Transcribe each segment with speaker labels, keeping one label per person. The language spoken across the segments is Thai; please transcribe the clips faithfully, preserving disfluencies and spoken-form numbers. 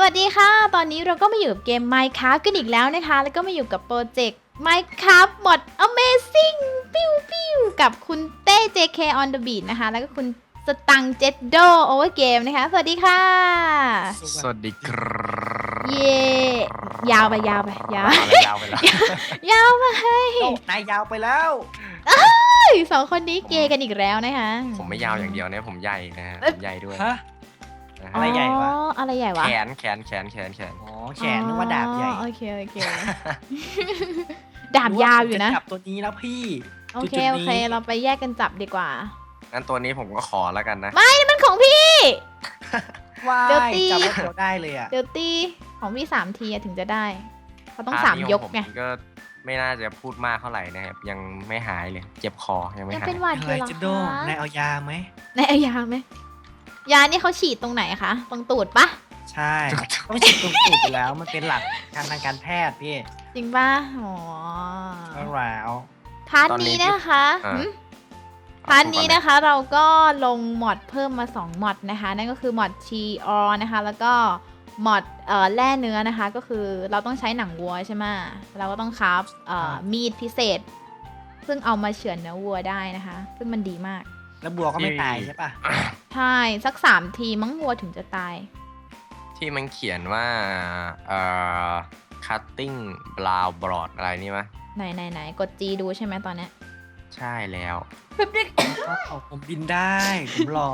Speaker 1: วัสดีค่ะตอนนี้เราก็มาอยู่กับเกม Minecraft กันอีกแล้วนะคะแล้วก็มาอยู่กับโปรเจกต์ Minecraft Mod Amazing ปิ้วปิ้วกับคุณเต้ เจ เค on the beat นะคะแล้วก็คุณสตังเจ็ดโดโอเวอร์เกมนะคะสวัสดีค่ะ
Speaker 2: สวัสดีครับ
Speaker 1: เย่ยาวไปยาวไปยาวย
Speaker 2: าวไปแล้ว
Speaker 1: ยาวไป
Speaker 3: นายยาวไปแล้ว
Speaker 1: สองคนนี้เกย์กันอีกแล้วนะคะ
Speaker 2: ผมไม่ยาวอย่างเดียวนะผมใหญ่นะฮะผมใหญ่ด้วย
Speaker 3: ฮะ
Speaker 2: นะ
Speaker 3: อะไร
Speaker 2: ฮะ
Speaker 3: ใหญ่วะ
Speaker 1: อ๋ออะไรใหญ่วะ
Speaker 2: แขนแขนแขนแขนแขน
Speaker 3: อ๋อแขนนึกว่าดาบใหญ่
Speaker 1: อ๋อโอเคโอเค ดาบยาวอยู่นะ
Speaker 3: จจับตัวนี้แล้วพี่
Speaker 1: โอเค
Speaker 3: จุดๆนี้
Speaker 1: โอเคเราไปแยกกันจับดีกว่า
Speaker 2: งั้นตัวนี้ผมก็ขอแล้วกันนะ
Speaker 1: ไม่นี่มันของพี่
Speaker 3: ว้า
Speaker 1: เดี๋ยวย ตี
Speaker 3: จับแล้วเดี๋ยวได้เลยอ่ะ
Speaker 1: เดี๋ยวตีของพี่สามทีอะถึงจะได้เขาต้อง
Speaker 2: พร์ท
Speaker 1: สาม
Speaker 2: นี้
Speaker 1: ย
Speaker 2: ข
Speaker 1: ก
Speaker 2: อง
Speaker 1: ไง
Speaker 2: ผมก็ไม่น่าจะพูดมากเท่าไหร่นะครับยังไม่หายเลยเจ็บคอยังไม่
Speaker 1: ยัง
Speaker 2: หาย
Speaker 1: เป็นหวัดอ
Speaker 3: อะไร
Speaker 1: ยู่เหรอ
Speaker 3: จะโดน
Speaker 1: คะ
Speaker 3: นายเอายาไหม
Speaker 1: ในเอายาไหมยานี่เขาฉีดตรงไหนคะตรงตูดปะ
Speaker 3: ใช่ต้องฉีดตรงตูดอยู่แล้วมันเป็นหลักการทางการแพทย์พี่
Speaker 1: จริงปะอ๋อ
Speaker 3: แล้ว
Speaker 1: พาร์ทนี้นะคะหืมพาร์ทนี้นะคะเราก็ลงมอดเพิ่มมาสองมอดนะคะนั่นก็คือมอดชีออนะคะแล้วก็มอดเอ่อแร่เนื้อนะคะก็คือเราต้องใช้หนังวัวใช่ไหมเราก็ต้องคราฟเอ่อมีดพิเศษ ซึ่งเอามาเฉือนเนื้อวัวได้นะคะ ซึ่งมันดีมาก
Speaker 3: แล้วบัวก็ไม่ตายใช่ปะ
Speaker 1: ใช่สักสามทีมั้งวัวถึงจะตาย
Speaker 2: ที่มันเขียนว่าเอ่อ cutting brow broad อะไรนี่มะ
Speaker 1: ไหนไหนไหนกดจีดูใช่ไหมตอนเนี้ย
Speaker 2: ใช่แล้ว
Speaker 3: ก็ผมบินได้ผมหล่อ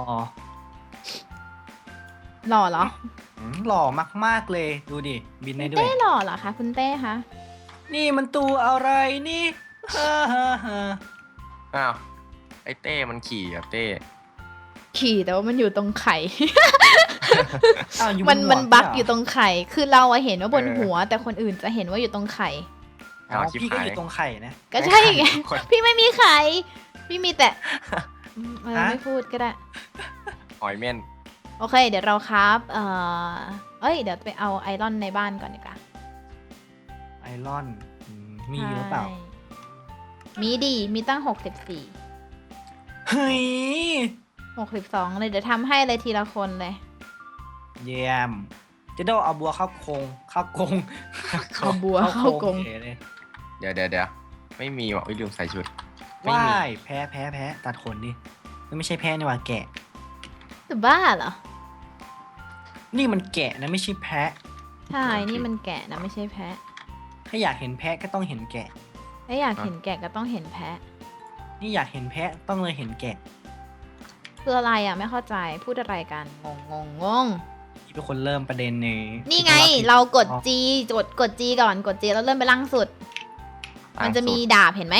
Speaker 1: หล่อเหรอ
Speaker 3: อืมหล่อมากๆเลยดูดิบินได้ด้ว
Speaker 1: เต้
Speaker 3: ย
Speaker 1: หล่อเหรอคะคุณเต้คะ
Speaker 3: นี่มันตัวอะไรนี่ฮ่าฮ่าฮ่า
Speaker 2: อ้าวไอ้เต้มันขี่กับเต้
Speaker 1: ขี่แต่ว่ามันอยู่ตรงไข่
Speaker 3: อ้าวอยู่
Speaker 1: มัน
Speaker 3: บหัว
Speaker 1: มันบั๊ก
Speaker 3: เหร
Speaker 1: อยู่ตรงไข่ คือเราอะเห็นว่าบนหัว แต่คนอื่นจะเห็นว่าอยู่ตรงไข่
Speaker 3: อ๋อพี่ก็อยู่ตรงไข่นะ
Speaker 1: ก็ใช่ไง
Speaker 2: คน
Speaker 1: พี่ไม่มีไข่ พี่มีแต่อืมเออ
Speaker 3: ฮะ
Speaker 1: ไม่พูดก็ได้
Speaker 2: หอยเม่น
Speaker 1: โอเค เดี๋ยวเราครับเอ่อเอ้ย เดี๋ยวไปเอาไอรอนในบ้านก่อนดีกว่า
Speaker 3: ไอรอนอืมมีหรือเปล่า
Speaker 1: ใช่มีดี มีตั้งหกสิบสี่
Speaker 3: เฮ้ย
Speaker 1: หกสิบสองเลยเดี๋ยวทำให้เลยทีละคนเลย
Speaker 3: เยี่ยมเจะโดเอาบัวเข้าโครงเข้ากรง
Speaker 1: เอาบัวเข้ากรง
Speaker 3: เฉยเลย
Speaker 2: เดี๋ยวเดี๋ยวเดี๋ยวไม่มีว่ะอุ๊ยลืมใส่ชุด ไม่มี
Speaker 3: ว้ายแพ้แพ้แพ้ตัดขนดิไม่ใช่แพ้นี่หว่าแกะ
Speaker 1: จะบ้าเหรอ
Speaker 3: นี่มันแกะนะไม่ใช่แพะ
Speaker 1: ใช่ นี่มันแกะนะไม่ใช่แพะ
Speaker 3: ถ้าอยากเห็นแพะก็ต้องเห็นแกะ
Speaker 1: ถ้าอยากเห็นแกะก็ต้องเห็นแพะ
Speaker 3: นี่อยากเห็นแพะต้องเลยเห็นแกะ
Speaker 1: คืออะไรอ่ะไม่เข้าใจ พูดอะไรกัน งงงงงง
Speaker 3: ที่เป็นคนเริ่มประเด็นนี้
Speaker 1: นี่ไง เรากด G กดกด G ก่อน กด G แล้วเลื่อนไปล่างสุด มันจะมีดาบเห็นไหม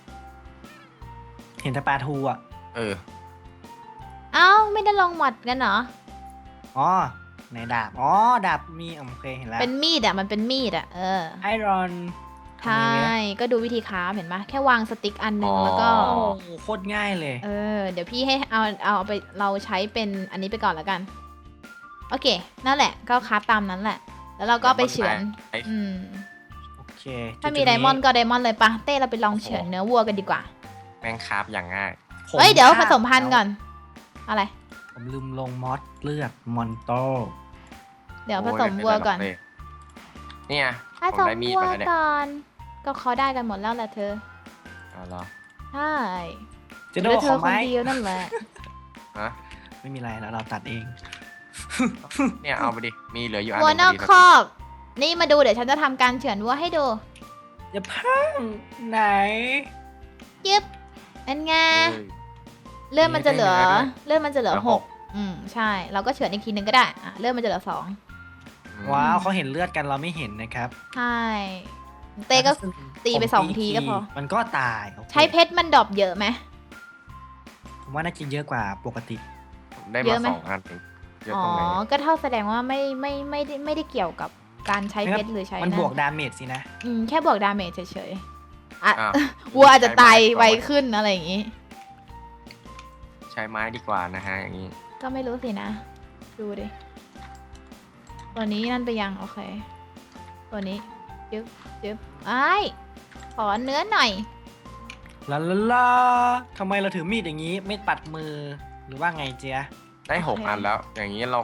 Speaker 3: เห็นแต่ปลาทูอ่ะ
Speaker 2: เออ
Speaker 1: เอ้า ไม่ได้ลองหมดกันเหรอ
Speaker 3: อ๋อในดาบอ๋อดาบมีโอเคเห็นแล้ว
Speaker 1: เป็นมีดอ่ะ มันเป็นมีดอ่ะ เออ
Speaker 3: ไอรอน
Speaker 1: ใช่ ก็ดูวิธีค้าฟเห็นปะแค่วางสติ๊กอันหนึง
Speaker 2: อ๋อ
Speaker 1: แล้วก็
Speaker 3: โอ้โหโคตรง่ายเลย
Speaker 1: เออ เดี๋ยวพี่ให้เอาเอาไปเราใช้เป็นอันนี้ไปก่อนแล้วกัน โอเค นั่นแหละ ก็ค้าฟตามนั้นแหละ แล้วเราก็ไปเฉือน
Speaker 2: ไอ้
Speaker 1: อืม
Speaker 3: โอเค
Speaker 1: ถ้ามีไดมอนด์ก็ไดมอนด์เลยปะเต้เราไปลองเฉือนเนื้อวัวกันดีกว่า
Speaker 2: แม่งคราฟอย่างง่าย
Speaker 3: ผม
Speaker 1: เฮ้ย เดี๋ยวผ
Speaker 3: ฆ่า
Speaker 1: สมพันธุ์ก่อน อะไร
Speaker 3: ผมลืมลงมอสเลือดมอนโต
Speaker 1: เดี๋ยวผ
Speaker 2: โอ้ย
Speaker 1: สมวัวก่อน
Speaker 2: ไม่เป็ไรหรเนี่ย
Speaker 1: ผ
Speaker 2: ผม
Speaker 1: สม
Speaker 2: ได้มีด
Speaker 1: วัว
Speaker 2: มาแล้วเนี่ย
Speaker 1: ก่อน ก็เขาได้กันหมดแล้วแหละเธอ
Speaker 2: เอาเหรอ
Speaker 1: ใช่
Speaker 3: เจะ
Speaker 1: เห
Speaker 3: โด
Speaker 1: ลือเธ
Speaker 3: ขอ
Speaker 1: อคน
Speaker 3: ไม้
Speaker 1: เดียวนั่นแหละ
Speaker 2: ฮะ
Speaker 3: ไม่มีอะไรแล้วเราตัดเอง
Speaker 2: เนี่ยเอาไปดิ มีเหลืออยู่อันห
Speaker 1: วัว
Speaker 2: นึง
Speaker 1: นอก
Speaker 2: พดี
Speaker 1: คอก นี่มาดูเดี๋ยวฉันจะทำการเฉือนวัวให้ดู
Speaker 3: อย่าพังไหน
Speaker 1: ยึบเป็นไง
Speaker 2: เฮ้ย
Speaker 1: เลื่อนมันจะเหลือ
Speaker 2: มีได้ด้วย
Speaker 1: เลื่อนมันจะเหลือ
Speaker 2: เหลือ
Speaker 1: ห
Speaker 2: ห
Speaker 1: ก
Speaker 2: ก
Speaker 1: อืม ใช่ เราก็เฉือนอีกทีนึงก็ได้อ่ะเลื่อนมันจะเหลือสอง
Speaker 3: ว้าวเขาเห็นเลือดกันเราไม่เห็นนะครับ
Speaker 1: ใช่ เต้ก็ตีไปสองทีก็พอ
Speaker 3: มันก็ตายโอค
Speaker 1: ใช้เพชรมันดรอปเยอะไหม
Speaker 3: ผมว่าน่าจะเยอะกว่าปกติ
Speaker 2: ผมได้
Speaker 1: เย
Speaker 2: มา
Speaker 1: อะไหม
Speaker 2: สองอันเองเยอะ
Speaker 1: อ๋อ
Speaker 2: ตรงไหน
Speaker 1: ก็เท่าแสดงว่าไม่ไม่ไม่ได้ไม่ได้เกี่ยวกับการใช้เพชรหรือใช้
Speaker 3: มัน
Speaker 1: นั่น
Speaker 3: บวกดาเมจสินะ
Speaker 1: อืมแค่บวกดาเมจเฉยๆอ่ะ
Speaker 2: อ้าว
Speaker 1: วัวอาจจะตายไว
Speaker 2: ใช้ม้
Speaker 1: ขึ้นอะไรอย่างงี้
Speaker 2: ใช้ไม้ดีกว่านะฮะอย่างนี้
Speaker 1: ก็ไม่รู้สินะ ดูดิ ตัวนี้นั่นไปยังโอเค ตัวนี้จึ๊บจึ๊บไอ้ายขอเนื้อหน่อย
Speaker 3: ลาลาลาทำไมเราถือมีดอย่างนี้ไม่ปัดมือหรือว่าไงเจ๊ยะ
Speaker 2: ได้หก
Speaker 1: โอเค
Speaker 2: อันแล้ว อย่างนี้เราก็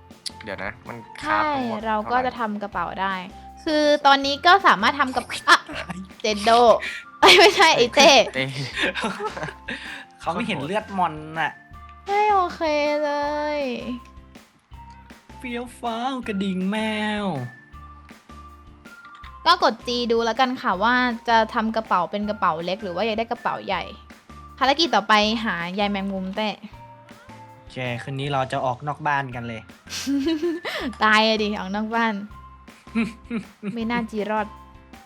Speaker 2: เดี๋ยวนะ มันคา
Speaker 1: ใช่
Speaker 2: บทั้งหมด
Speaker 1: เราก็
Speaker 2: ท่ไห
Speaker 1: จะทำกระเป๋าได้ คือตอนนี้ก็สามารถทำกับอ่ะเจนโดเอ้ยไม่ใช่ไอเต้
Speaker 2: เต้
Speaker 3: เขาไม่เห็นเลือดมอนน่ะ
Speaker 1: ไม่โอเคเลย
Speaker 3: เฟี้ยวฟ้าวกระดิ่งแมว
Speaker 1: ก็กด G ดูแล้วกันค่ะว่าจะทำกระเป๋าเป็นกระเป๋าเล็กหรือว่าอยากได้กระเป๋าใหญ่ ภารกิจต่อไปหายายแมงมุมเต้
Speaker 3: โอเคคืนนี้เราจะออกนอกบ้านกันเลย
Speaker 1: ตายอะดิออกนอกบ้าน ไม่น่าจีรอด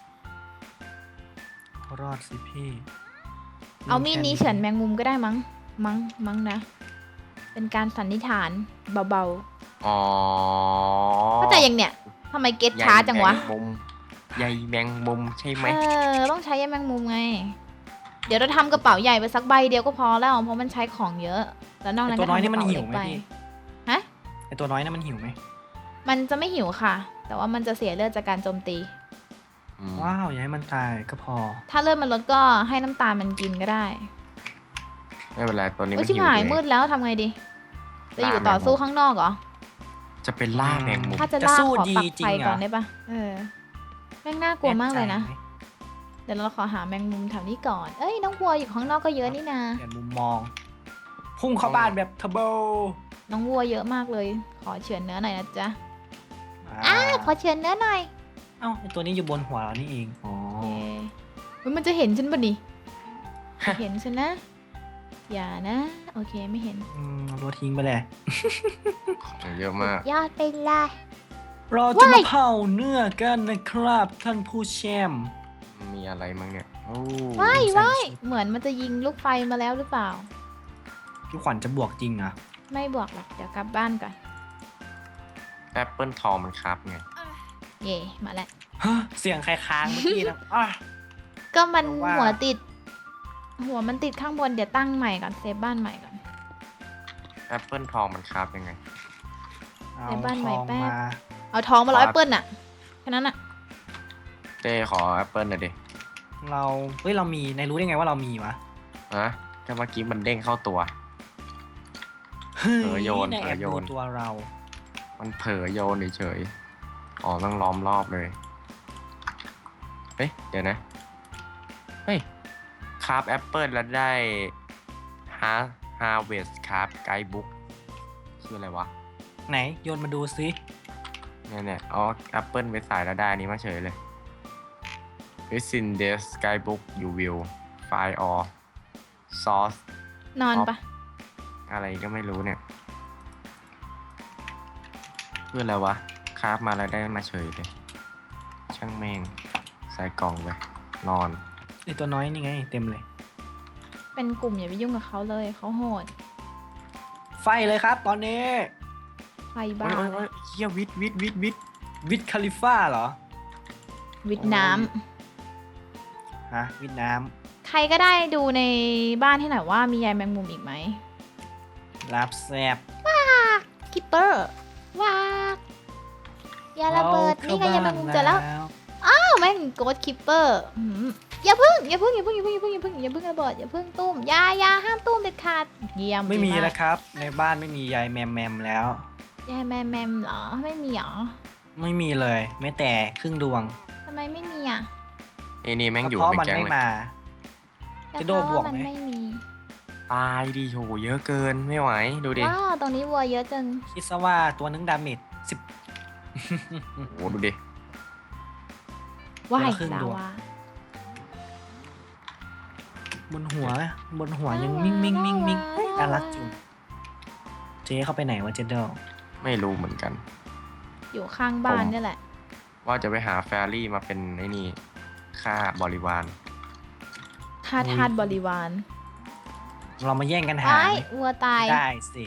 Speaker 3: รอดสิพี่
Speaker 1: เอามีดนี้เฉือนแมงมุมก็ได้มั้ง มั้ง มั้งนะ เป็นการสันนิษฐานเบา
Speaker 2: อ๋อ
Speaker 1: ๆเข้าใจยังเนี่ยทำไมเก็ตช้าจังวะ
Speaker 2: ใยแมงมุมใยแมงมุมใช่ไหม
Speaker 1: เออ ต้องใช้ยาแมงมุมไง เดี๋ยวเราทำกระเป๋าใหญ่ไปสักใบเดียวก็พอแล้ว เพราะมันใช้ของเยอะ แล้วนอก
Speaker 3: ไอ
Speaker 1: นั้น
Speaker 3: ตัว
Speaker 1: ก็
Speaker 3: น้อย
Speaker 1: ทำก
Speaker 3: นี่
Speaker 1: ระ
Speaker 3: มัน
Speaker 1: เป๋า
Speaker 3: หิ
Speaker 1: เล็
Speaker 3: ว
Speaker 1: ก
Speaker 3: ไหม
Speaker 1: ไป
Speaker 3: พี่
Speaker 1: ฮะ
Speaker 3: ไอตัวน้อยนี่มันหิวไหม
Speaker 1: มันจะไม่หิวค่ะ แต่ว่ามันจะเสียเลือดจากการโจมตี
Speaker 2: อืม
Speaker 3: ว้าวอย่าให้มันตายก็พอ
Speaker 1: ถ้าเลือดมันลดก็ให้น้ำตาลมันกินก็ได้
Speaker 2: ไม่เป็นไรตัวนี้
Speaker 1: โอ้
Speaker 2: มั
Speaker 1: ย
Speaker 2: น
Speaker 1: ชิบ
Speaker 2: หิว
Speaker 1: หาย
Speaker 2: เอง
Speaker 1: มืดแล้วทำไงดี จะอยู่
Speaker 2: ล่าแมงมุม
Speaker 1: ต่อสู้ข้างนอกเหรอ
Speaker 2: จะเป็นล่าแมงมุม
Speaker 1: ถ้าจะ
Speaker 3: จะ
Speaker 1: ล่า
Speaker 3: สู้
Speaker 1: ขอ
Speaker 3: ดี
Speaker 1: ปัก
Speaker 3: จริ
Speaker 1: ไฟ
Speaker 3: งเหรอ
Speaker 1: ก่อนได้ปะเออแม่งน่ากลัวมากเลยนะ
Speaker 3: แใจไหม
Speaker 1: เดี๋ยวเราขอหาแมงมุมแถวนี้ก่อน เอ้ยน้องวัวอยู่ข้างนอกก็เยอะนี่นา
Speaker 3: เปลี่ยนมุมมอง พุ่งเข้าบ้านแบบเทอร์โบ
Speaker 1: น้องวัวเยอะมากเลย ขอเฉือนเนื้อหน่อยนะจ๊ะ
Speaker 3: อ่า
Speaker 1: อ่าขอเฉือนเนื้อหน่อย
Speaker 3: เอ้าไอตัวนี้อยู่บนหัวเรานี่เอง อ๋อ
Speaker 1: โอเคเฮ้ยมันจะเห็นฉันปะนี่ เห็นฉันนะ อย่านะ โอเคไม่เห็น
Speaker 3: อืมเอาตัวทิ้งไปเลย
Speaker 2: เยอะมาก
Speaker 1: ยอดไปเลย
Speaker 3: เราจะมาเผาเนื้อกันนะครับท่านผู้แชมป์
Speaker 2: มีอะไรมั้งเนี่ยโอ้
Speaker 1: ว้าย
Speaker 3: ใส่
Speaker 1: ว้าย
Speaker 3: ชุด
Speaker 1: เหมือนมันจะยิงลูกไฟมาแล้วหรือเปล่า
Speaker 3: พี่ขวัญจะบวกจริงนะ
Speaker 1: ไม่บวกหรอกเดี๋ยวกลับบ้านก่อน
Speaker 2: แอปเปิลทองมันครับไง
Speaker 1: เย่มาแล้ว
Speaker 3: ฮะเสียงใครค้างเมื่อกี้นะอ่ะ
Speaker 1: ก็มัน
Speaker 3: แต่ว่า
Speaker 1: หัวติด หัวมันติดข้างบนเดี๋ยวตั้งใหม่ก่อนเซฟบ้านใหม่ก่อน
Speaker 2: แอปเปิลทองมันครับยังไง
Speaker 3: เอา
Speaker 1: ในบ้านใหม่
Speaker 3: ทอง
Speaker 1: แป๊บ
Speaker 3: มา
Speaker 1: เอาท้องมาร้อย
Speaker 2: ครับ
Speaker 1: เปิ้ลน่ะแค่นั้นน่ะ
Speaker 2: เต้ขอแอปเปิลหน่อยดิ
Speaker 3: เราเฮ้ยเรามีในรู้ได้ไงว่าเรามีวะ
Speaker 2: ฮะก็เมื่อกี้มันเด้งเข้าตัว
Speaker 3: เฮ้ย
Speaker 2: เผลอโยน
Speaker 3: ใน
Speaker 2: เผล
Speaker 3: แอ
Speaker 2: อบ โย
Speaker 3: ดู
Speaker 2: น
Speaker 3: ตัวเรา
Speaker 2: มันเผลอโยนเฉยๆอ๋อต้องล้อมรอบเลย เฮ้ย เดี๋ยวนะ เฮ้ยคราฟแอปเปิลแล้วได้ฮาฮาเวสคราฟไกด์บุ๊กชื่ออะไรวะ
Speaker 3: ไหนโยนมาดูซิ
Speaker 2: เนี่ยเนี่ยเอาแอปเปิลไปใส่แล้วได้อันนี้มาเฉยเลย It's in this guidebook you will find all source
Speaker 1: นอนปะ
Speaker 2: อะไรก็ไม่รู้เนี่ยเพื่ออะไรวะคราฟมาแล้วได้มาเฉยเลย ช่างแม่งใส่กล่องไปนอน
Speaker 3: ไอตัวน้อยนี่ไงเต็มเลย
Speaker 1: เป็นกลุ่มอย่าไปยุ่งกับเขาเลยเขาโหด
Speaker 3: ไฟเลยครับ ตอนนี้
Speaker 1: ไฟบ้า
Speaker 2: โอ้ยโอ้ยโอ้ยเฮียวิทวิทวิทวิท
Speaker 3: วิดคาลิฟ่าเหรอ
Speaker 1: วิดน้ำ
Speaker 3: ฮะวิดน้
Speaker 1: ใครก็ได้ดูในบ้านให้หน่อยว่ามียายแมงมุมอีกไหม
Speaker 3: ำรับแซบ
Speaker 1: คิปเปอร์ว้ากอย่าระเบิดนี่ไงยายแมงมุมเจอแล้วอ้าวแม่งโกดคิปเปอร์อย่าพึ่งอย่าพึ่งอย่าพึ่งอย่าพึ่งอย่าพึ่งอย่าพึ่งอย่าพึ่งระเบิดอย่าพึ่งตุ้มอยาอยาห้ามตุ้มเด็ดขาดเยี่ยม
Speaker 3: ไม่มี
Speaker 1: ดีาก
Speaker 3: แล้วครับ ในบ้านไม่มียายแมมแมมแล้ว
Speaker 1: ยายแมมแมมเหรอไม่มีเหรอ
Speaker 3: ไม่มีเลยแม้แต่ครึ่งดวง
Speaker 1: ทำไมไม่มีอ่ะ
Speaker 2: ไอ้นี่แม่งอยู่
Speaker 3: เพราะ
Speaker 2: เป็น
Speaker 3: มัน
Speaker 2: แก๊ง
Speaker 3: ไม่
Speaker 2: เลย
Speaker 3: มา
Speaker 1: แต่
Speaker 3: จะโดน
Speaker 1: เพ
Speaker 3: บ
Speaker 1: ราะ
Speaker 3: วก
Speaker 1: ว่ามัน
Speaker 3: ไหม
Speaker 1: ไม่มี
Speaker 2: ตายดิโหเยอะเกินไม่ไหวดูดิ
Speaker 1: ว้าวตรงนี้วัวเยอะจัง
Speaker 3: คิดซะว่าตัวนึงดาเมจสิบ
Speaker 2: โหดูดิ
Speaker 1: ว่าย
Speaker 3: ครึ่ง
Speaker 1: ลา
Speaker 3: ดวง
Speaker 1: วา
Speaker 3: บนหัวบนหัวยังมิ่งมิ่งมิ่งมิ่ง
Speaker 1: ว้าว
Speaker 3: น่ารักจุงเจ๊เข้าไปไหนวะเจเดล
Speaker 2: ไม่รู้เหมือนกัน
Speaker 1: อยู่ข้างบ้านนี่แหละ
Speaker 2: ว่าจะไปหาแฟรี่มาเป็นไอ้นี่ค่าบริวาร
Speaker 1: ค่าทาสบริวาร
Speaker 3: เรามาแย่งกันหา
Speaker 1: ไอ้
Speaker 3: ไหม
Speaker 1: วัวตาย
Speaker 3: ได้สิ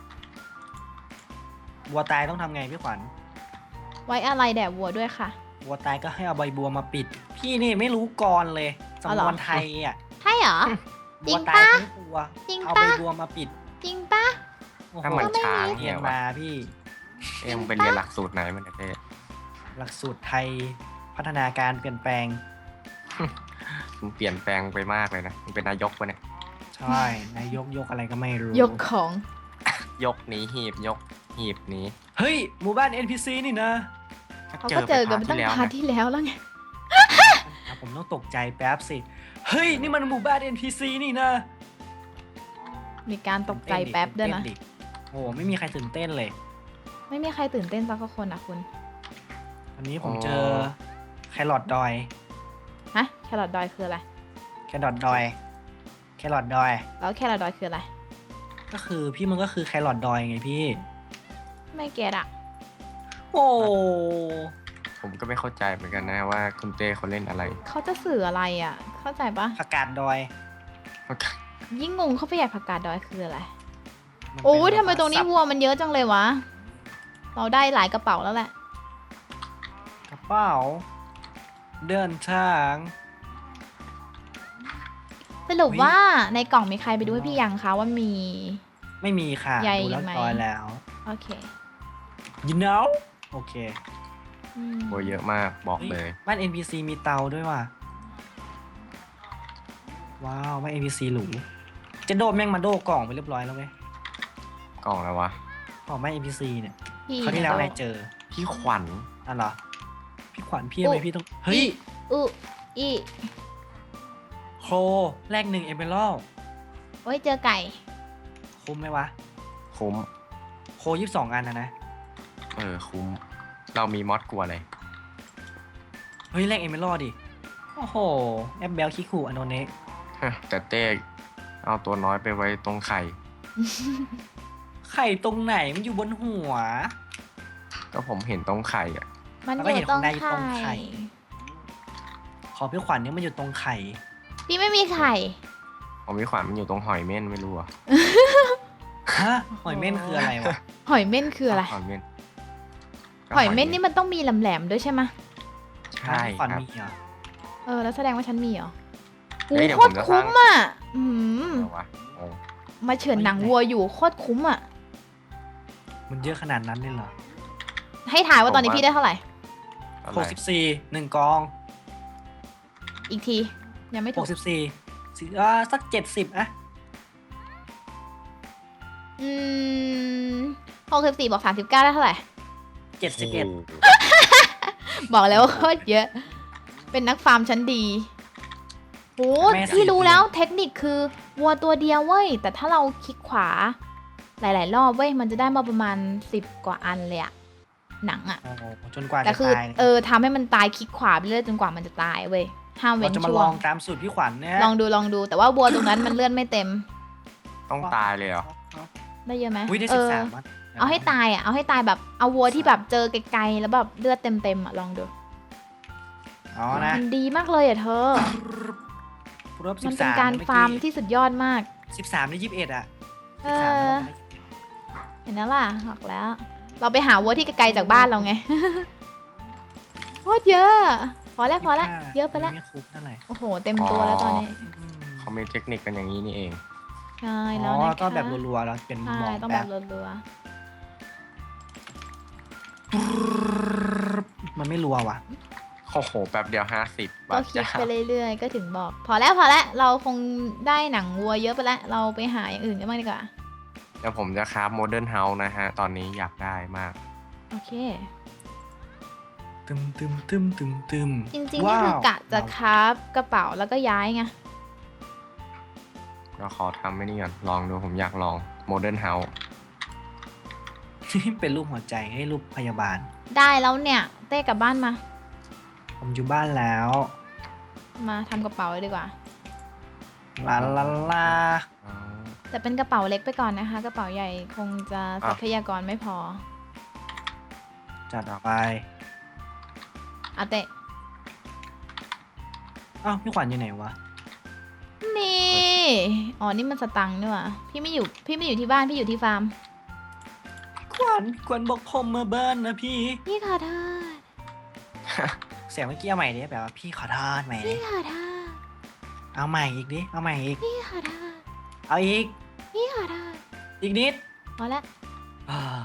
Speaker 3: วัวตายต้องทำไงพี่ขวัญ
Speaker 1: ไว้อะไรแด่วัวด้วยค่ะ
Speaker 3: วัวตายก็ให้เอาใบบัวมาปิด พี่นี่ไม่รู้ก่อนเลย
Speaker 1: อ๋อเหร
Speaker 3: สำน
Speaker 1: อ
Speaker 3: วนไทยอ่ะ
Speaker 1: ใช่เหรอ จริ
Speaker 3: วัว
Speaker 1: ง
Speaker 3: ตาย
Speaker 1: ปะ
Speaker 3: ทั้งตัว
Speaker 1: จริง
Speaker 3: เอา
Speaker 1: ปะ
Speaker 3: ใบบัวมาปิด
Speaker 1: จริงปะ
Speaker 3: โอ้โห
Speaker 2: ถ้ามันช้าง
Speaker 3: เรี
Speaker 2: เนี่ย ย
Speaker 3: น
Speaker 2: วะ
Speaker 3: มาพี่
Speaker 2: เอ็มงไปเรียนหลักสูตรไหนมันเนี่ยเต้
Speaker 3: หลักสูตรไทยพัฒนาการเปลี่ยนแปลง
Speaker 2: มึงเปลี่ยนแปลงไปมากเลยนะมึงเป็นนายกปะเนี่ย
Speaker 3: ใช่นายกยกอะไรก็ไม่รู้
Speaker 1: ยกของ
Speaker 2: ยกหนีหีบยกหีบหนี
Speaker 3: เฮ้ยหมู่บ้าน เอ็น พี ซี นี่นะ
Speaker 1: เขาก็เจอกันไปตั้ง
Speaker 2: แล้ว
Speaker 1: พาร์ทที่แล้วแล้วไง
Speaker 3: อ่ะผมต้องตกใจแป๊บสิเฮ้ยนี่มันหมู่บ้าน เอ็น พี ซี นี่นะ
Speaker 1: มีการตกใจแป๊บด้วยนะ
Speaker 3: ตื่เต้ดิโอ้ไม่มีใครตื่นเต้นเลย
Speaker 1: ไม่มีใครตื่นเต้นสักคนนะคุณ
Speaker 3: อันนี้ผมเจอแครอทดอย
Speaker 1: ฮะ แครอทดอยคืออะไร
Speaker 3: แครอทดอย แครอทดอย
Speaker 1: แล้วแครอทดอยคืออะไร
Speaker 3: ก็คือพี่มันก็คือแครอทดอยไงพี่
Speaker 1: ไม่เก็ตอะ
Speaker 3: โอ้
Speaker 2: ผมก็ไม่เข้าใจเหมือนกันนะว่าคุณเต้เขาเล่นอะไร
Speaker 1: เขาจะสื่ออะไรอะเข้าใจปะ
Speaker 3: ผักกาดดอย
Speaker 1: ยิ่งงงเข้าไปใหญ่ผักกาดดอยคืออะไร
Speaker 3: มันเป็น
Speaker 1: โอ้ยทำไมตรงนี้
Speaker 3: สับ
Speaker 1: วัวมันเยอะจังเลยวะ เราได้หลายกระเป๋าแล้วแหละ
Speaker 3: กระเป๋า เดินทาง
Speaker 1: สรุป
Speaker 3: อุ๊ย
Speaker 1: ว่าในกล่องมีใครไปดูให้พี่ยังคะว่ามี
Speaker 3: ไม่มีค่ะ
Speaker 1: ใหญ่
Speaker 3: ดูแล้ว
Speaker 1: ไหม
Speaker 3: ดอยแล้ว
Speaker 1: โอเค
Speaker 3: you know โอเค
Speaker 1: อืม
Speaker 2: โอ้เยอะมากบอกเลย
Speaker 3: บ้าน เอ็น พี ซี มีเตาด้วยว่ะ ว้าวบ้าน เอ็น พี ซี หรูจะโดดแม่งมาโดกล่องไปเรียบร้อยแล้วไหม
Speaker 2: กล่องแล้ววะ
Speaker 3: กล่องบ้าน เอ็น พี ซี เนี่ย
Speaker 1: พี่
Speaker 3: เขาวที่แล้วนายเจอ
Speaker 2: พี่ขวัญ
Speaker 3: อ่ะเหรอ พี่ขวัญพี่ทำไมพี่ต้อง เฮ้ย
Speaker 1: อุอี
Speaker 3: โครแรกหนึ่งเอเมอรัล
Speaker 1: โอ้ยเจอไก่
Speaker 3: คุ้มไหมวะ
Speaker 2: คุ้ม
Speaker 3: โคยี่สิบสองอันนะนะ
Speaker 2: เออคุ้ม เรามีมอดกลัวเลย
Speaker 3: เฮ้ยแรกเอเมอรัลดิ โอ้โห แอปเบลคิคูอโนเนะ
Speaker 2: แต่เต้เอาตัวน้อยไปไว้ตรงไข่
Speaker 3: ไข่ตรงไหนมันอยู่บนหัว
Speaker 2: ก็ผมเห็นตรงไข่อะ
Speaker 1: มัน
Speaker 3: แล้ว
Speaker 1: อ
Speaker 3: ก็
Speaker 1: ยู่
Speaker 3: เห็น
Speaker 1: ตรง
Speaker 3: ข้างในอยู่ตรงไข่
Speaker 1: ไข่
Speaker 3: ขอพี่ขวัญเนี่ยมันอยู่ตรงไข่
Speaker 1: พี่ไม่มีไข่
Speaker 2: ผมพี่ขวัญมันอยู่ตรงหอยเม่นไม่รู้อะ
Speaker 3: ฮะ หอยเม่นคืออะไรวะ
Speaker 1: หอยเม่นคืออะไร
Speaker 2: หอยเม่นก็
Speaker 1: หอยเม่นนี่มันต้องมีแหลมๆด้วยใช่ไหม
Speaker 2: ใช่
Speaker 3: พี่ข
Speaker 2: ค
Speaker 3: วั
Speaker 2: รั
Speaker 3: ญ
Speaker 2: บ
Speaker 3: มีเหรอ
Speaker 1: เออแล้วแสดงว่าฉันมีเหรอโอ้
Speaker 2: เฮ้ยเดี๋ยว
Speaker 1: โค
Speaker 2: ผ
Speaker 1: ต
Speaker 2: ม
Speaker 1: ร
Speaker 2: จะ
Speaker 1: คุ้ม
Speaker 2: สร้าง
Speaker 1: อ่ะอืม
Speaker 2: เอาวะโอ้
Speaker 1: มาเฉือนหนังวัวอยู่โคตรคุ้มอ่ะ
Speaker 3: มันเยอะขนาดนั้นเลยเหรอ
Speaker 1: ให้ถ่ายว่าตอนนี้พี่ได้เท่าไหร่
Speaker 2: อะไร
Speaker 3: หกสิบสี่หนึ่งกอง
Speaker 1: อีกที ยังไม่
Speaker 3: ห
Speaker 1: ถู
Speaker 3: ก
Speaker 1: ก
Speaker 3: สิบสี่สิอ่าสักเจ็ดสิบอะ
Speaker 1: อืมหกสิบสี่บอกสามสิบเก้าได้เท่าไหร่
Speaker 3: เจ็ดสิบเอ็ด
Speaker 1: บอกแล้วว่าโคตรเยอะ เป็นนักฟาร์มชั้นดีโอ้พี่รู้แล้วเทคนิคคือวัวตัวเดียวเว้ย แต่ถ้าเราคลิกขวา หลาย ๆ รอบเว้ย มันจะได้มาประมาณสิบกว่าอันเลยอะหนังอะ
Speaker 3: โอ้โหจนกว่า
Speaker 1: แต่
Speaker 3: จะ
Speaker 1: คือ
Speaker 3: ตาย
Speaker 1: เออทำให้มันตายคลิกขวาไปเรื่อยจนกว่ามันจะตายเว้ย ห้ามเว้
Speaker 3: เรา
Speaker 1: น
Speaker 3: จะมา
Speaker 1: ช่
Speaker 3: ล
Speaker 1: ว
Speaker 3: อง งตามสูตรพี่ขวัญเนี่ย
Speaker 1: ลองดูลองดู แต่ว่าวัวตรงนั้นมันเลื่อนไม่เต็ม
Speaker 2: ต้องตายเลยเหรอ
Speaker 1: ได้เยอะไหม
Speaker 3: อุ้ยได้
Speaker 1: เอ
Speaker 3: สิบ
Speaker 1: อ
Speaker 3: สามอะ
Speaker 1: เอาให้ตายอะเอาให้ตายแบบเอาวัวที่แบบเจอไกลๆแล้วแบบเลือดเต็มๆอะลองดู
Speaker 3: อ๋อนะ
Speaker 1: มันดีมากเลยอะเธอ
Speaker 3: รบสิ
Speaker 1: มัน
Speaker 3: บ
Speaker 1: เป็น
Speaker 3: สาม
Speaker 1: การฟาร์มที่สุดยอดมาก
Speaker 3: สิบสามได้ยี่สิบเอ็ดอะ
Speaker 1: เอ
Speaker 3: สิบสาม
Speaker 1: อ
Speaker 3: แล้ว
Speaker 1: เห็นแล้วล่ะบอกแล้ว เราไปหาวัวที่ไกลๆจากบ้านเราไง โคตรเยอะ พอแล้วพอแล้วเยอะไปแล้ว
Speaker 3: ไม่คุ้มเท่าไหร่
Speaker 1: โอ้โห เต็มตัวแล้วตอนนี้
Speaker 3: อืม
Speaker 2: เขามีเทคนิคกันอย่างนี้นี่เอง
Speaker 1: ใช่
Speaker 3: อ๋
Speaker 1: แล้ว
Speaker 3: อ
Speaker 1: นะคะ
Speaker 3: ต้องแบบรัวๆแล้วเป็น
Speaker 1: ใช่
Speaker 3: มอง
Speaker 1: ต้อง
Speaker 3: แบ
Speaker 1: แบบ บรัว
Speaker 3: มันไม่รัวว่ะ
Speaker 2: โอ้โหแป๊บเดียวห้าสิบ
Speaker 1: ๆ
Speaker 2: บา
Speaker 1: ก็
Speaker 2: ท
Speaker 1: คลิก
Speaker 2: จ้า
Speaker 1: ไปเรื่อยๆ ก็ถึงบอก พอแล้วพอแล้วเราคงได้หนังวัวเยอะไปแล้ว เราไปหาอย่างอื่นกันบ้างดีกว่า
Speaker 2: เดี๋ยวผมจะคราฟโมเดิร์นเฮาส์นะฮะ ตอนนี้อยากได้มาก
Speaker 1: โอเค
Speaker 3: ตึมตึมตึมตึมตึม
Speaker 1: จริงๆนี่คือกะจะคราฟกระเป๋าแล้วก็ย้ายไง
Speaker 2: ก็ขอทำไม่นี่ก่อน ลองดูผมอยากลองโมเดิร์นเฮาส์
Speaker 3: เป็นรูปหัวใจให้รูปพยาบาล
Speaker 1: ได้แล้วเนี่ย เต้กลับบ้านมา
Speaker 3: ผมอยู่บ้านแล้ว
Speaker 1: มาทำกระเป๋าเลยดีกว่า
Speaker 3: ลาลาลา
Speaker 1: แต่เป็นกระเป๋าเล็กไปก่อนนะคะ กระเป๋าใหญ่คงจะทรัพยากรไม่พอ
Speaker 3: จัดออกไป
Speaker 1: อาเตะ
Speaker 3: อ้าวพี่ขวัญอยู่ไหนวะ
Speaker 1: นี่ อ๋อ นี่มันสตังค์นี่หว่าพี่ไม่อยู่ พี่ไม่อยู่ที่บ้าน พี่อยู่ที่ฟาร์ม
Speaker 3: ขวัญขวัญบอกผมมาบ้านนะพี่
Speaker 1: พี่ขอโทษ
Speaker 3: เสียงเมื่อกี้เอาใหม่ดิแบบว่าพี่ขอโทษใหม่ดิ
Speaker 1: พี่ขอโทษ
Speaker 3: เอาใหม่อีกดิ เอาใหม่อีก
Speaker 1: พี่ขอโทษ
Speaker 3: เอาอีก
Speaker 1: พี่ขอโทษ
Speaker 3: อีกนิด
Speaker 1: พอละ
Speaker 3: อ้าย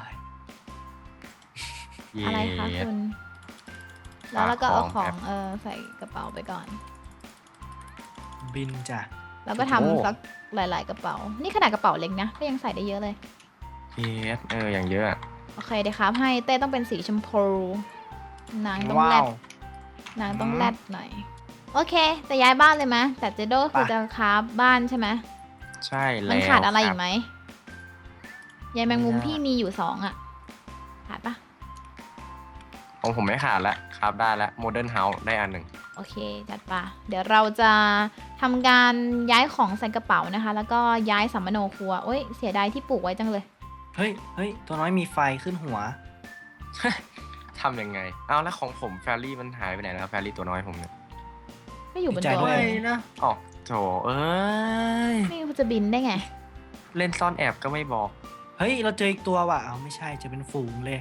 Speaker 2: เย้
Speaker 1: อะไรคะคุณ แล้วเราก็เอาของ
Speaker 2: ครับ
Speaker 1: เออใส่กระเป๋าไปก่อน
Speaker 3: บินจ้ะ
Speaker 1: แล้วก็ทำสักหลาย ๆ กระเป๋า นี่ขนาดกระเป๋าเล็กนะ ก็ยังใส่ได้เยอะเลย
Speaker 2: เยสเอออย่างเยอะอะ
Speaker 1: โอเคเดี๋ยวครับให้เต้ต้องเป็นสีชมพูนางต้อง
Speaker 3: ว้า
Speaker 1: แรด
Speaker 3: ว
Speaker 1: นางต้อง
Speaker 3: อืม
Speaker 1: แรดหน่อยโอเคจะย้ายบ้านเลยไหมแต่เจโดคือ
Speaker 3: ไป
Speaker 1: จะคราฟบ้านใช่ไหม
Speaker 2: ใช่แล้ว
Speaker 1: มันขาดอะไร
Speaker 2: ค
Speaker 1: อี
Speaker 2: บ
Speaker 1: กไหมยายแมงมุม
Speaker 3: ไม่น่า
Speaker 1: พี่มีอยู่สองอะขาดปะ
Speaker 2: ของผมไม่ขาดละครับได้ละโมเดิร์นเฮาส์ได้อันหนึ่ง
Speaker 1: โอเคจัดปะเดี๋ยวเราจะทำการย้ายของใส่กระเป๋านะคะ แล้วก็ย้ายสัมมโนครัวโอ้ยเสียดายที่ปลูกไว้จังเลย
Speaker 3: เฮ้ยเฮ้ยตัวน้อยมีไฟขึ้นหัว
Speaker 2: ทำยังไงเอาแล้วของผมแฟรี่มันหายไปไหนแล้วแฟรี่ตัวน้อยผมเนี่ย
Speaker 1: ไม่อยู่บน
Speaker 3: ดีใจ
Speaker 1: ตัว
Speaker 3: ด้วย
Speaker 1: เลย
Speaker 3: นะ
Speaker 2: อ๋อโถเอ้ย
Speaker 1: ไม่รู้จะบินได้ไง
Speaker 2: เล่นซ่อนแอบก็ไม่บอก
Speaker 3: เฮ้ยเราเจออีกตัวว่ะเอาไม่ใช่จะเป็นฝูงเลย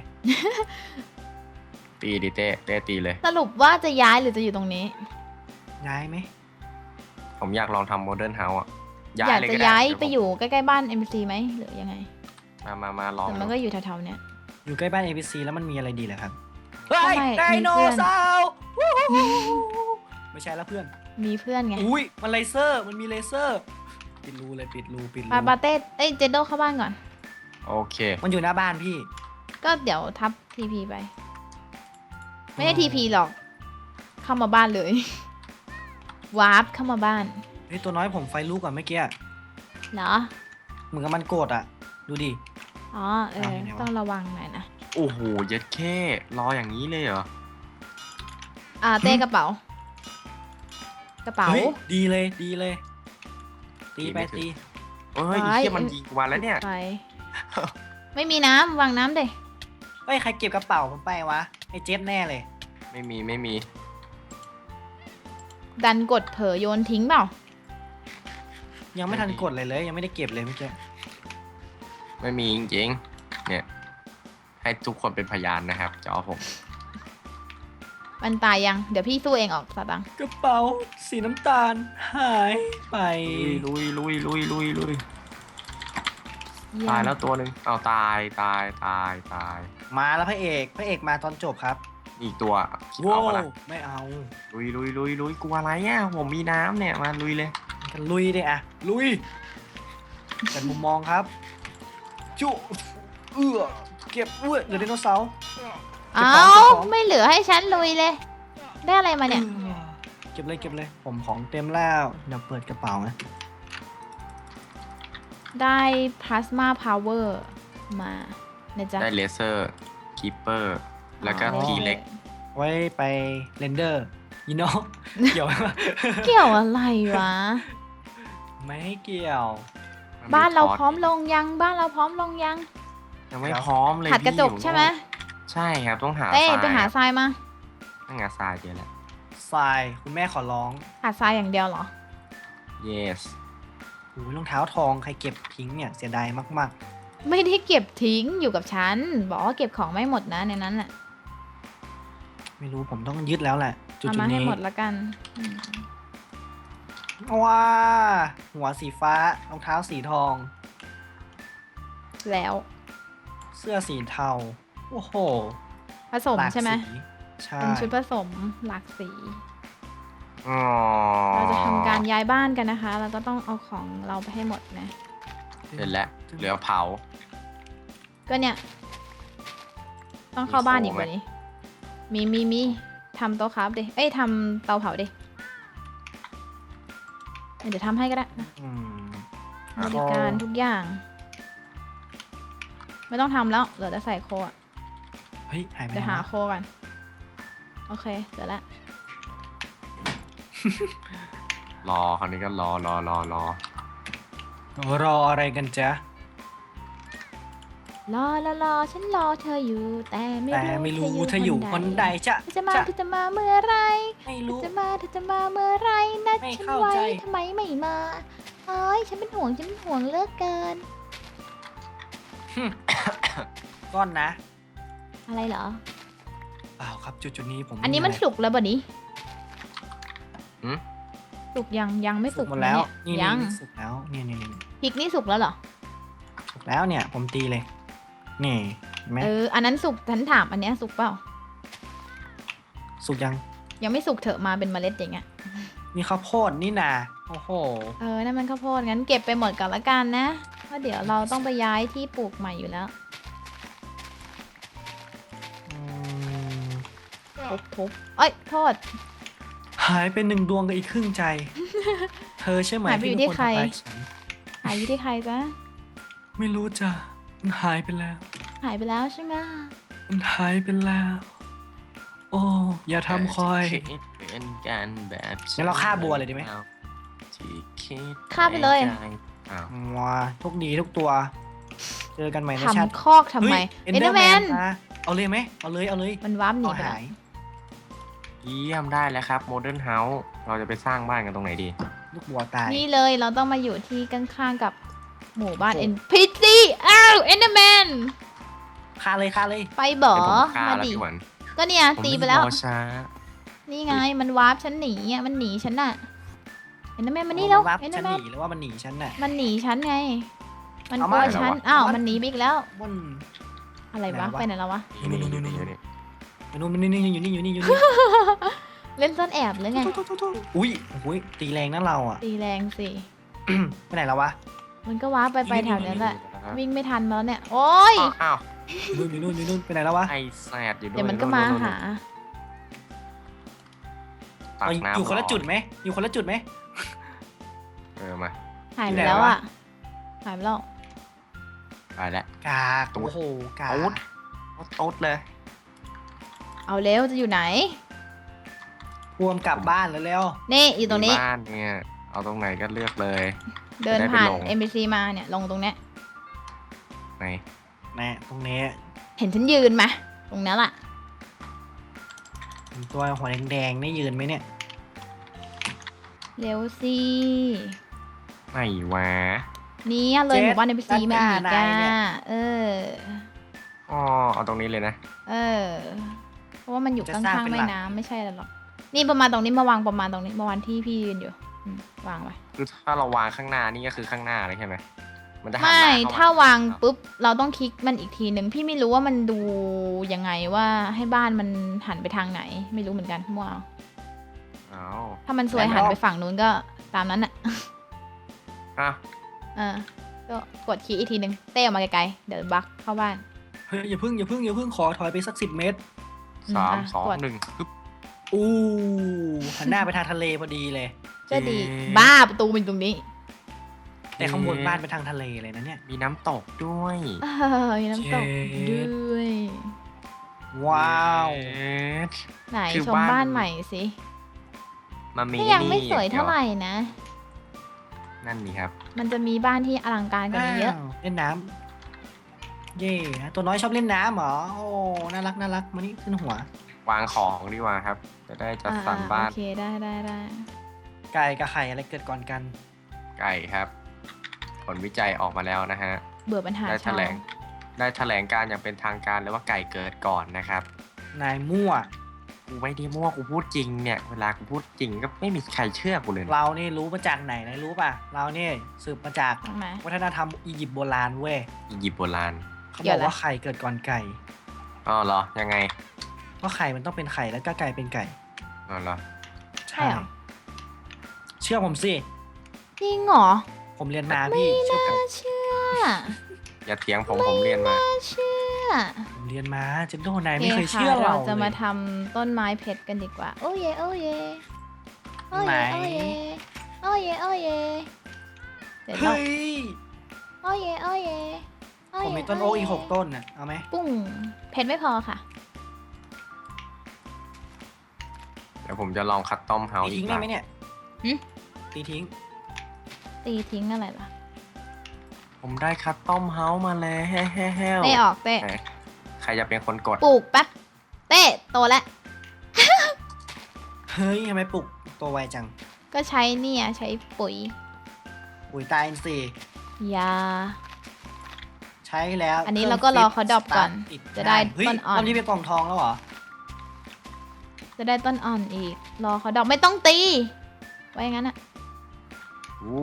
Speaker 2: ตีดิเต้เต้ตีเลย
Speaker 1: สรุปว่าจะย้ายหรือจะอยู่ตรงนี้
Speaker 3: ย้ายไหม
Speaker 2: ผมอยากลองทำโมเดิร์นเฮาส์อ่ะ
Speaker 1: อยาก
Speaker 2: เล
Speaker 1: จะ
Speaker 2: ด้
Speaker 1: ย้าย
Speaker 2: เดี๋ว
Speaker 1: ไปอยู่ใกล้ๆบ้าน เอ็ม ซี ไหมหรือยังไง
Speaker 2: ผมมามามาลอง
Speaker 1: แต่มัน
Speaker 2: ดู
Speaker 1: ก็อยู่แถวๆเนี้ย
Speaker 3: อยู่ใกล้บ้าน เอ พี ซี แล้วมันมีอะไรดีเหรอครับ
Speaker 1: ทำไม
Speaker 3: เฮ้ยได
Speaker 1: มี
Speaker 3: โน
Speaker 1: เพื่อน
Speaker 3: เสาร์วู้ฮู้ไม่ใช่แล้วเพื่อน
Speaker 1: มีเพื่อนไง
Speaker 3: อุ้ยมันเลเซอร์มันมีเลเซอร์ ปิดรูเลยปิดรูปิดรู
Speaker 1: ปาปาเต้เอ้ยเจโดเข้าบ้านก่อน
Speaker 2: โอเค
Speaker 3: มันอยู่หน้าบ้านพี่
Speaker 1: ก็เดี๋ยวทับทีพีไป ไม่ได้ทีพีหรอก เข้ามาบ้านเลย วาร์ปเข้ามาบ้าน
Speaker 3: เฮ้ยตัวน้อยผมไฟลุกก่อนเมื่อกี้
Speaker 1: เหรอ
Speaker 3: เหมือนกับมันโกรธอ่ะ ดูดิ
Speaker 1: อ๋อเออ
Speaker 3: เอาไงวะ
Speaker 1: ต้องระวังหน่อยนะ
Speaker 2: โอ้โหเย็ดแค่รออย่างนี้เลยเหรอ
Speaker 1: อ่าเต้กระเป๋า กระเป๋า
Speaker 3: เฮ้ยดีเลยดีเลย ตี
Speaker 2: ตี
Speaker 3: ไป
Speaker 2: ไม่ถึง
Speaker 3: ตี
Speaker 2: เฮ้ย
Speaker 1: ไว้
Speaker 2: ไอ้เหี้ยมันยิงกูมาแล้วเนี่ย
Speaker 1: ไป ไม่มีน้ำวางน้ำเด้
Speaker 3: เฮ้ยใครเก็บกระเป๋าผมไปวะไอ้เจ็ดแน่เลย
Speaker 2: ไม่มีไม่มี
Speaker 1: ดันกดเผลอโยนทิ้งเปล่า
Speaker 3: ยังไม่ทันกดเลยเลย ยังไม่ได้เก็บเลยเมื่อกี้
Speaker 2: ไม่มีจริงๆเนี่ย ให้ทุกคนเป็นพยานนะครับจอผม
Speaker 1: มันตายยัง เดี๋ยวพี่สู้เองออกสตังค์
Speaker 3: กระเป๋าสีน้ำตาลหายไป
Speaker 2: ลุยลุยลุยลุยลุย
Speaker 1: เยี่ยม
Speaker 2: ตายแล้วตัวหนึ่งเอาตายตายตายตาย
Speaker 3: มาแล้วพระเอกพระเอกมาตอนจบครับ
Speaker 2: อีกตัว
Speaker 3: ว้า
Speaker 2: เอา
Speaker 3: ว
Speaker 2: ปะล่ะ
Speaker 3: ไม่เอา
Speaker 2: ลุยลุยลุยลุยกลัวอะไรอ่ะผมมีน้ำเนี่ยมาลุยเลย
Speaker 3: กันลุยดิอะลุยเป็นมุมมองครับ จุเอื้อเก็บเอื้อเหลือไดโนเสาร์ เก็บ
Speaker 1: เอ้า
Speaker 3: ของเก็บของ
Speaker 1: ไม่เหลือให้ฉันลุยเลย ได้อะไรมาเนี่ย
Speaker 3: อื้อเก็บเลยเก็บเลย ผมของเต็มแล้วเดี๋ยวเปิดกระเป๋านะ
Speaker 1: ได้พลาสมาพาวเวอร์มานะจ๊ะ
Speaker 2: ได้เลเซอร์คีเปอร์แล้วก็
Speaker 1: อ๋อ
Speaker 2: ทีเล็ก
Speaker 3: ไว้ไปเรนเดอร์ยีโน เกี่ยวไหมวะ
Speaker 1: เกี่ยวอะไรวะ
Speaker 3: ไม่ให้เกี่ยว
Speaker 1: บ้านเราพร้อมลงยัง บ้านเราพร้อมลงยัง
Speaker 2: ยังไม่พร้อมเลย
Speaker 1: หัดกระจก
Speaker 2: พี่
Speaker 1: ใช่ไหม
Speaker 2: ใช่ครับต้องหา
Speaker 1: เต้
Speaker 2: ทราย
Speaker 1: ไปหาทรายมา
Speaker 2: ต้องหาทรายเยอะแหละ
Speaker 3: ทรายคุณแม่ขอร้อง
Speaker 1: หาทรายอย่างเดียวเหรอ
Speaker 2: yes
Speaker 3: โอ้ยรองเท้าทองใครเก็บทิ้งเนี่ยเสียดายมาก
Speaker 1: ไม่ได้เก็บทิ้งอยู่กับฉัน บอกว่าเก็บของไม่หมดนะในนั้นแหละ
Speaker 3: ๆ ไม่รู้ผมต้องยึดแล้วแหละ จุด
Speaker 1: เอา
Speaker 3: ๆ
Speaker 1: มาให้
Speaker 3: นี้
Speaker 1: หมดละกันอืม
Speaker 3: ว้าหัวสีฟ้ารองเท้าสีทอง
Speaker 1: แล้ว
Speaker 3: เสื้อสีเทา โอ้โห
Speaker 1: ผสม
Speaker 3: หลาก
Speaker 1: ใช่ไหม
Speaker 3: สีใช่
Speaker 1: เป็นชุดผสมหลากสี
Speaker 2: อ๋อ
Speaker 1: เราจะทำการย้ายบ้านกันนะคะ แล้วก็ต้องเอาของเราไปให้หมดนะ
Speaker 2: เสร็จแล้วเหลือเผา
Speaker 1: ก็เนี่ย ต้องเข้าบ้านอีก
Speaker 2: มีโซ่
Speaker 1: ก
Speaker 2: ไหม
Speaker 1: ว่านี้ มีมีมีทำโต๊ะครับดิ เอ้ยทำเตาเผาดิ เดี๋ยวทำให้ก็ได้นะ
Speaker 3: อืม
Speaker 1: บริการทุกอย่าง ไม่ต้องทำแล้ว เหลือแต่ใส่โคอะ
Speaker 3: เฮ้ย หายไป
Speaker 1: เดี๋ยว
Speaker 3: ไหน
Speaker 1: หาว
Speaker 3: ะ
Speaker 1: โคก่อน โอเคเสร็จแล้ว
Speaker 2: รอคราวนี้ก็รอรอรอรอ
Speaker 3: รออะไรกันจ๊ะ
Speaker 1: รอรอรอฉันรอเธออยู่ แต่ไม่
Speaker 3: แต่
Speaker 1: รู้
Speaker 3: ไม่รู้
Speaker 1: เธ
Speaker 3: เธ
Speaker 1: อ
Speaker 3: อ
Speaker 1: อ
Speaker 3: อยู่ ยู่
Speaker 1: ค
Speaker 3: คน น
Speaker 1: ใด
Speaker 3: ใดจะ
Speaker 1: เธอจะมา
Speaker 3: จะ
Speaker 1: เธอจะมาเมื่อไร
Speaker 3: ไม่
Speaker 1: เธอ
Speaker 3: รู้
Speaker 1: จะมาเธอจะมาเมื่อไรนัด
Speaker 3: ไม่
Speaker 1: ฉัน
Speaker 3: เข้า
Speaker 1: ไว้
Speaker 3: ใจ
Speaker 1: ทำไมไม่มาเอ้ยฉันเป็นห่วงฉันเป็นห่วงเหลือกเกิน
Speaker 3: ก้อนนะ
Speaker 1: อะไรเหรอ
Speaker 3: เปล่าครับจุดๆนี้ผม
Speaker 1: อันนี้มัน
Speaker 3: ไะไร
Speaker 1: สุกแล้วบ่นี้
Speaker 2: หืม
Speaker 1: สุกยังยังไม่
Speaker 3: สุ
Speaker 1: สุ
Speaker 3: ก
Speaker 1: ก
Speaker 3: หมดแล้ว
Speaker 1: เนี่
Speaker 3: นี่
Speaker 1: ยยัง
Speaker 3: นี่สุกแล้วนี่นี่นี่
Speaker 1: พริกนี่สุกแล้วเหรอ
Speaker 3: สุกแล้วเนี่ย ผมตีเลย นี่เห็นไหม
Speaker 1: เอออันนั้นสุกฉันถามอันเนี้ยสุกเปล่า
Speaker 3: สุกยัง
Speaker 1: ยังไม่สุกเถอะมาเป็นเมล็ดอย่างเงี้ย
Speaker 3: มีข้าวโพดนี่นาโอ้โห
Speaker 1: เออนั่นมันข้าวโพดงั้นเก็บไปหมดก่อนละกันนะเพราะเดี๋ยวเราต้องไปย้ายที่ปลูกใหม่อยู่แล้วทุบทุบเอ้ยโทษ
Speaker 3: หายไปหนึ่งดวงกับอีกครึ่งใจ เธอใช่ไหม
Speaker 1: หายไปอยู่
Speaker 3: ที่
Speaker 1: ที่
Speaker 3: เป็นคน
Speaker 1: ใคร
Speaker 3: ทำร้ายฉัน
Speaker 1: หายอยู่ที่ใครจ๊ะ
Speaker 3: ไม่รู้จ้ะมันหายไปแล้ว
Speaker 1: หายไปแล้วใช่ไหม
Speaker 3: มันหายไปแล้ว โอ้อย่าทำคอย
Speaker 2: คิดเป็นกันแบบ
Speaker 3: งั้นเราฆ่าบัวเลยดีไหม
Speaker 2: ที่คิด
Speaker 1: ฆ่าไปเลย
Speaker 2: อ้าว
Speaker 3: ว้าทุกดีทุกตัว เจอกันใหม่ในชาติ
Speaker 1: ทำคอกทำไม
Speaker 3: เอ็น
Speaker 1: เอ็น
Speaker 3: เด
Speaker 1: เด
Speaker 3: อ
Speaker 1: อ
Speaker 3: ร์
Speaker 1: ร์
Speaker 3: แม
Speaker 1: แม
Speaker 3: น
Speaker 1: น
Speaker 3: เอาเลยไหมเอาเลยเอาเลย
Speaker 1: มันวาร์ปหนี
Speaker 3: เอา
Speaker 1: ไปแล้
Speaker 3: หา
Speaker 1: วย
Speaker 2: เยี่ยมได้แล้วครับโมเดิร์นเฮาส์เราจะไปสร้างบ้านกันตรงไหนดี
Speaker 3: ลูกบัวตาย
Speaker 1: นี่เลยเราต้องมาอยู่ที่ข้างๆกับหมู่บ้าน
Speaker 3: โอ้
Speaker 1: เอ็นพีซีอ้าวเอ็นเดอร์แมน
Speaker 3: ฆ่าเลยฆ่าเลย
Speaker 1: ไปบ่อ
Speaker 2: เป็นผมฆ่า
Speaker 1: มา
Speaker 2: แล้ว
Speaker 1: ดิ
Speaker 2: พี่หวัน
Speaker 1: ก็เนี่ย
Speaker 2: ผม
Speaker 1: ตีไปแล้ว
Speaker 2: รอช้า
Speaker 1: นี่ไงมันวาร์ปฉันหนีอ่ะมันหนีฉันน่ะเอ็นเดอร์แมนมานี่แล้ว
Speaker 3: รับ
Speaker 1: เอ็นเดอ
Speaker 3: ฉัน
Speaker 1: ร์แม
Speaker 3: ห
Speaker 1: น
Speaker 3: นีหรือว่ามันหนีฉันน่ะ
Speaker 1: มันหนีฉันไง มัน
Speaker 3: เอา
Speaker 1: กลัว
Speaker 3: มา
Speaker 1: ฉัน
Speaker 2: เหรอวะ
Speaker 1: อ้าว
Speaker 3: มัน
Speaker 1: มันหนีไปอีกแล้ว
Speaker 3: มัน
Speaker 1: อะไร
Speaker 3: ไหน
Speaker 1: วะ
Speaker 3: วะ
Speaker 1: ไปไหนแล้ววะ
Speaker 2: นี่นี่นี่นี่นี่
Speaker 3: มันนู่นมันนี่อยู่นี่อยู่นี่อยู่นี่
Speaker 1: เล่นซ่อนแอบหรือไง
Speaker 3: อุ้ยโอ้ยตีแรงนะเราอ่ะ
Speaker 1: ตีแรงสิ
Speaker 3: ไปไหนแล้ววะ
Speaker 1: มันก็ว้าร์ปไปไป
Speaker 3: นี่
Speaker 1: แถวนั้นแหละ
Speaker 2: นี่
Speaker 1: วิ่งไม่ทันแล้วเนี่ย โอ๊ย
Speaker 2: อ้าว
Speaker 3: นู่นอยู่นู่นอยู่นู่นไปไหนแล้ววะ
Speaker 2: ไอแซดอยู่ด้วย
Speaker 1: เดี๋ยวมันก็มาหา
Speaker 2: ตัก
Speaker 3: เอา
Speaker 2: น้ำ
Speaker 3: อยู่คนละจุดไหมอยู่คนละจุดไหม
Speaker 2: เออมา
Speaker 1: หายไป
Speaker 3: ที่ไหน
Speaker 1: แล้ว
Speaker 3: วะ
Speaker 1: อ่ะ หายไปแล้ว
Speaker 2: ไปแล้ว
Speaker 3: กากโอ้โหกาก
Speaker 2: โอ๊ตโอ๊ตเลย
Speaker 1: เอาเร็วจะอยู่ไหน
Speaker 3: พวมกลับบ้านแล้วเร็ว
Speaker 1: นี่อยู่ตรงนี้
Speaker 2: บ้านเนี่ยเอาตรงไหนก็เลือกเลย
Speaker 1: เดิน
Speaker 2: จะได้ไป
Speaker 1: ผ่าน
Speaker 2: ลง
Speaker 1: เอ็ม ซี มาเนี่ย ลงตรงเนี้ย
Speaker 2: ไหน
Speaker 3: แน่ตรงนี้
Speaker 1: เห็นฉันยืนไหมตรงนั้นแหละ
Speaker 3: เห็นตัวหัวแดงๆนี่ยืนไหมเนี่ย
Speaker 1: เร็วสิ
Speaker 2: ไหนวะ
Speaker 1: นี่เลย
Speaker 3: เจ็ด
Speaker 1: หมู่บ้านเอ็ม ซี
Speaker 3: ด้าน
Speaker 1: มา
Speaker 3: หน้า
Speaker 1: อีก
Speaker 3: นายเนี่ย
Speaker 1: อ่ะเออ
Speaker 2: อ๋อเอาตรงนี้เลยนะ
Speaker 1: เออ เพราะว่ามันอยู่
Speaker 3: จะ
Speaker 1: ข้
Speaker 3: สร้าง
Speaker 1: าง
Speaker 3: เป็น
Speaker 1: ๆแม่
Speaker 3: หลัก
Speaker 1: น้ำไม่ใช่หรอก นี่ประมาณตรงนี้มาวางประมาณตรงนี้ประมาณที่พี่ยืนอยู่อืมวางไว้
Speaker 2: คือถ้าเราวางข้างหน้านี่ก็คือข้างหน้าเลยใช่ไหมมันจะหันห
Speaker 1: ไม่
Speaker 2: น้าเข้ามา
Speaker 1: ถ้าวางปุ๊บ เราต้องคลิกมันอีกทีหนึ่งพี่ไม่รู้ว่ามันดูยังไงว่าให้บ้านมันหันไปทางไหน ไม่รู้เหมือนกันมั่วเอา
Speaker 2: อ้าว
Speaker 1: ถ้ามันสวย
Speaker 3: แล้ว
Speaker 1: หันไปฝั่งนู้นก็ตามนั้นอ่ะ
Speaker 2: อ่ะ
Speaker 1: เออก็กดคลิกอีกทีหนึ่งเต้ออกมาไกลๆเดี๋ยวบักเข้าบ้าน
Speaker 3: เฮ้ยอย่าพึ่งอย่าพึ่งอย่าพึ่งขอถอยไปสักสิบเมตร
Speaker 1: อืม
Speaker 2: สาม
Speaker 1: อ่ะ
Speaker 2: สอง
Speaker 1: กด
Speaker 2: หนึ่งปึ๊บ
Speaker 3: อู้หันหน้าไปทางทะเลพอดีเลย
Speaker 1: ก็ดี
Speaker 2: เย้
Speaker 1: บ้าประตูมันอยู่ตรงนี้
Speaker 3: แต่ข้างบนบ้านไปทางทะเลเลยนะเนี่ย
Speaker 2: มีน้ำตกด้วย
Speaker 1: เออมีน้ำตก
Speaker 3: เจ็ด
Speaker 1: ด้วย
Speaker 3: ว้าว
Speaker 2: เอ๊ะ
Speaker 1: ไหน
Speaker 2: คือ
Speaker 1: ชม
Speaker 2: บ้าน
Speaker 1: บ้านใหม่สิ
Speaker 2: มามี
Speaker 1: ก็ยังไม่
Speaker 2: นี่
Speaker 1: สวยเท่าไหร่นะ
Speaker 2: นั่นนี่ครับ
Speaker 1: มันจะมีบ้านที่อลังการกว่านี้เยอะ
Speaker 3: อ้าวเล่นน้ำเย่ตัวน้อยชอบเล่นน้ำเหรอโอ้น่ารักน่ารักมานี่ขึ้นหัว
Speaker 2: วางของดีกว่าครับ จะได้จัดสรร
Speaker 1: อ่า
Speaker 2: บ้าน
Speaker 1: โอเคได้ได้ได้
Speaker 3: ไก่กับไข่อะไรเกิดก่อนกัน
Speaker 2: ไก่ครับ ผลวิจัยออกมาแล้วนะฮะ
Speaker 1: เบื่อปัญหา
Speaker 2: ได้แถ
Speaker 1: ชาว
Speaker 2: ลง ได้แถลงการอย่างเป็นทางการเลยว่าไก่เกิดก่อนนะครับ
Speaker 3: นายมั่ว
Speaker 2: กูไม่ได้มั่วกูพูดจริงเนี่ย เวลากูพูดจริงก็ไม่มีใครเชื่อกูเลยนะ
Speaker 3: เรานี่รู้มาจากไหนนายรู้ป่ะ เรานี่สืบมาจาก
Speaker 1: ตรงไหน
Speaker 3: วัฒนธรรมอียิปต์โบราณเว้ย
Speaker 2: อียิปต์โบราณ
Speaker 3: เขา
Speaker 1: เกี่
Speaker 3: บ
Speaker 1: ย
Speaker 3: อ
Speaker 1: ว
Speaker 3: ก
Speaker 1: อะไร
Speaker 3: ว่าไข่เกิดก่อนไก่
Speaker 2: อ๋อเหรอ ยังไง
Speaker 3: เพราะไข่มันต้องเป็นไข่แล้วก็ไก่เป็นไก่
Speaker 2: อ๋อเหรอ
Speaker 1: ใช่เหรอ
Speaker 3: เชื่อผมสิ
Speaker 1: จริงเหรอ
Speaker 3: ผมเรียนมาพี่เชื่อผม
Speaker 1: น่าเชื่อ
Speaker 2: อย่าเถียงผมผมเรียนมา
Speaker 1: น่าเชื่อ
Speaker 3: ผมเรียนมาเจนโดนาย
Speaker 1: โอ
Speaker 3: ไม่เคย
Speaker 1: ค่ะ
Speaker 3: เชื่อเรา
Speaker 1: จะมา
Speaker 3: เลย
Speaker 1: ทำต้นไม้เพชรกันดีกว่า โอ้เยโอ้เยโอ้
Speaker 3: ไหน
Speaker 1: เยโอ้เยโอ้เยโอ้เยเสร็จแล้ว
Speaker 3: เฮ้ย
Speaker 1: โอ้เยโอ้เยโอ้เย
Speaker 3: ผมมีต้นโอ๊กอีกหกต้นน่ะเอาไหม
Speaker 1: ปุ้งเพชรไม่พอค่ะ
Speaker 2: เดี๋ยวผมจะลองคัดต้อมเฮา
Speaker 3: ตี
Speaker 2: ส์อี
Speaker 3: ทิ้
Speaker 2: ก
Speaker 3: ง
Speaker 2: ห
Speaker 3: ได้
Speaker 2: ลัง
Speaker 3: ไหมเนี่ย
Speaker 1: หึ
Speaker 3: ตีทิ้ง
Speaker 1: ตีทิ้งอะไรล่ะ
Speaker 2: ผมได้คัดต้อมเฮาส์มาแล้ว
Speaker 1: เต้ออกเต้
Speaker 2: ไหนใครจะเป็นคนกด
Speaker 1: ปลูกแป๊บเต้โตแล้ว
Speaker 3: เฮ้ยทำไมปลุกตัวไวจัง
Speaker 1: ก็ใช้เนี่ยใช้ปุ๋ย
Speaker 3: ปุ๋ยตายอินทรีย์
Speaker 1: ยา
Speaker 3: ใช้แล้ว
Speaker 1: อันนี้เราก็รอเขาดรอปก่อน
Speaker 3: สตาร์ทติ
Speaker 1: จะได้
Speaker 3: เฮ้ย
Speaker 1: ต้นอ่อน
Speaker 3: ตอนนี้เป็นกล่องทองแล้วเหรอ
Speaker 1: จะได้ต้นอ่อนอีก รอเขาดอกไม่ต้องตี ไว้อย่างนั้นอะ
Speaker 2: อู้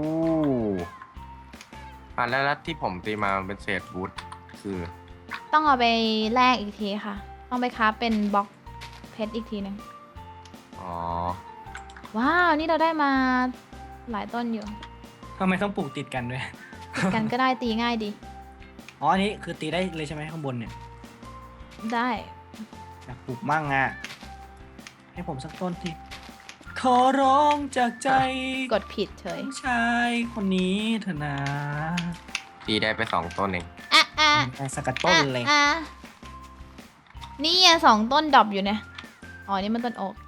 Speaker 2: อ่ะแล้วแล้วที่ผมตีมามันเป็นเศษวูดคือ
Speaker 1: ต้องเอาไปแลกอีกทีค่ะ ต้องไปคราฟเป็นบล็อกเพชรอีกทีหนึ่ง
Speaker 2: อ๋อ
Speaker 1: ว้าว นี่เราได้มาหลายต้นอยู่
Speaker 3: ทำไมต้องปลูกติดกันด้วย
Speaker 1: ติดกันก็ได้ตีง่ายดี
Speaker 3: อ๋ออันนี้คือตีได้เลยใช่ไหมข้างบนเนี่ย
Speaker 1: ได้
Speaker 3: อยากปลูกมั่งอ่ะให้ผมสักต้นทีขอร้องจากใจ
Speaker 1: กดผิดเฉย
Speaker 3: ผู้ชายคนนี้เถอะนะ
Speaker 2: ตีได้ไปสองต้นเอง
Speaker 1: อ่ะอ่ะ
Speaker 3: ได้สักกระต้นเลย
Speaker 1: อ่ะอ่ะนี่อ่ะสองต้นดรอปอยู่เนี่ยอ๋อนี่มันต้นโอ๊ก